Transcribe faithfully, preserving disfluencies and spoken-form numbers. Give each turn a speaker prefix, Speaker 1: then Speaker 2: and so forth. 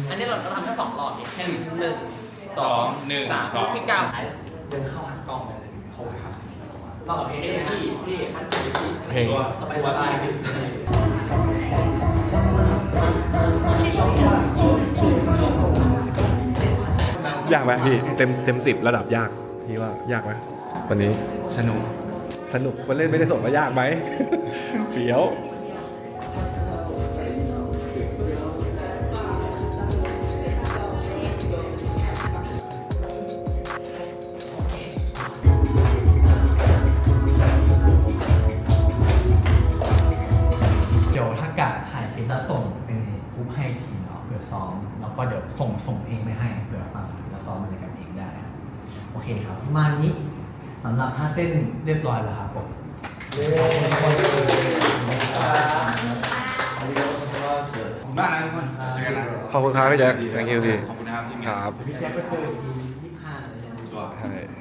Speaker 1: อันนี้เราทำแค่สองรอบเองแค่หนึ่งส
Speaker 2: ส
Speaker 1: อ
Speaker 2: อง งหนึ่ง
Speaker 1: สาม
Speaker 2: สอง
Speaker 1: พี่ก้าวเดินเข้าหากล้องเลยโอ้ครับรอบกับเพลงที่ที่มันจะที่
Speaker 3: เพลง
Speaker 1: สบายสบาย
Speaker 3: ยากไหมพี่เต็มเต็มสิบระดับยากพี่ว่ายากไหมวันนี้
Speaker 2: สนุก
Speaker 3: สนุกวันเล่นไม่ได้ส่งว่ายากไหม เขียว
Speaker 4: เดี๋ยวถ้ากะถ่ายคลิปแล้วส่งเป็นกรุ๊ปให้ทีมเนาะเผื่อซ้อมแล้วก็เดี๋ยวส่งส่งเพลงไปให้เผื่อฟังแล้วซ้อมอะไรกันเองได้ครับโอเคครับประมาณนี้สำหรับท่าเต้นเรียบร้อยแล้วครับผม
Speaker 2: ผมบ้านนะทุกคนเจอกันนะ
Speaker 3: ขอบคุณครับพี่แจ็ค thank you พี่
Speaker 2: ขอบคุณนะครับที่มี
Speaker 3: ครับ
Speaker 4: พี่แจ็คก็เจออีกทียี่สิบห้าเลยนะ
Speaker 3: ใช่